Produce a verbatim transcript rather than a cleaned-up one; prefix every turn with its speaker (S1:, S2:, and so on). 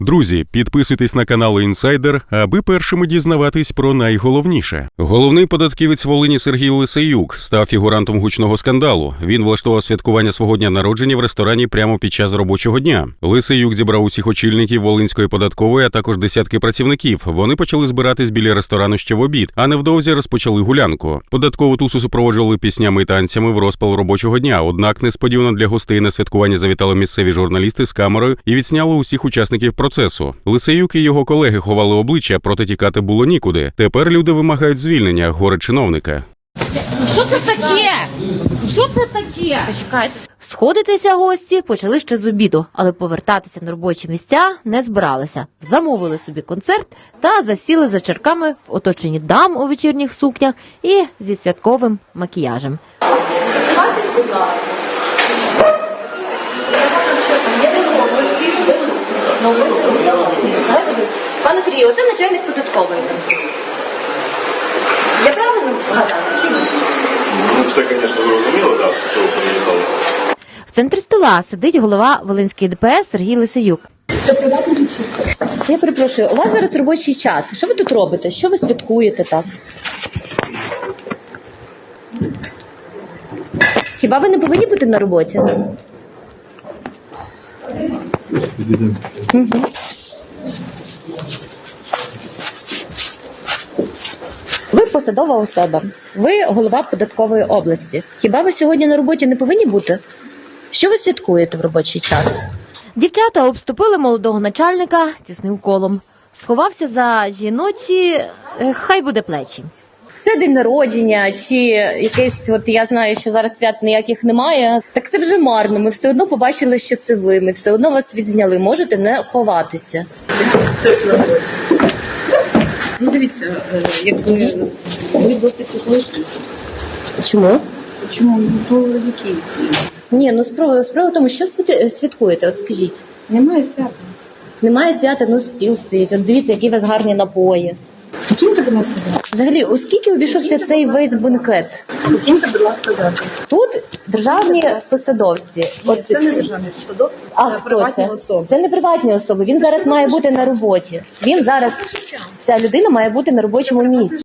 S1: Друзі, підписуйтесь на канал Інсайдер, аби першими дізнаватись про найголовніше. Головний податківець Волині Сергій Лисеюк став фігурантом гучного скандалу. Він влаштував святкування свого дня народження в ресторані прямо під час робочого дня. Лисеюк зібрав усіх очільників Волинської податкової, а також десятки працівників. Вони почали збиратись біля ресторану ще в обід, а невдовзі розпочали гулянку. Податкову тусу супроводжували піснями і танцями в розпал робочого дня. Однак несподівано для гостей на святкування завітали місцеві журналісти з камерою і відсняли усіх учасників процесу. Лисеюк і його колеги ховали обличчя, проте тікати було нікуди. Тепер люди вимагають звільнення горе-чиновника.
S2: Що це таке? Що це таке? Почекайте.
S3: Сходитися гості почали ще з обіду, але повертатися на робочі місця не збиралися. Замовили собі концерт та засіли за чарками в оточенні дам у вечірніх сукнях і зі святковим макіяжем.
S2: Закривайтесь, будь ласка. Пане Сергію, оце начальник податкової. Я правильно згадала, чи ні?
S4: Ну, все, звісно, зрозуміло, так, що ви приїхали.
S3: В центрі стола сидить голова Волинської Д П С Сергій Лисеюк.
S2: Це приватна вечірка. Я перепрошую, у вас зараз робочий час. Що ви тут робите? Що ви святкуєте так? Хіба ви не повинні бути на роботі? Угу. Ви посадова особа. Ви голова податкової області. Хіба ви сьогодні на роботі не повинні бути? Що ви святкуєте в робочий час?
S3: Дівчата обступили молодого начальника тісним колом. Сховався за жіночі, е, хай буде плечі.
S2: Це день народження, чи якесь, от я знаю, що зараз свят ніяких немає. Так це вже марно. Ми все одно побачили, що це ви. Ми все одно вас відзняли. Можете не ховатися.
S5: Ну, дивіться, якби ви досить технічні.
S2: Чому?
S5: Чому? Ну, то які?
S2: Ні, ну справа, справа в тому, що святи- святкуєте, от скажіть.
S5: Немає свята.
S2: Немає свята, ну стіл стоїть. От дивіться, які у вас гарні напої.
S5: Покиньте, будь ласка, завтра.
S2: Взагалі, у скільки обійшовся цей весь бенкет?
S5: Покиньте, будь ласка, завтра.
S2: Тут державні посадовці. От,
S5: Це не державні посадовці,
S2: а
S5: це
S2: хто
S5: приватні
S2: це?
S5: особи.
S2: Це не приватні особи. Він зараз має бути на роботі. Він зараз, ця людина має бути на робочому місці.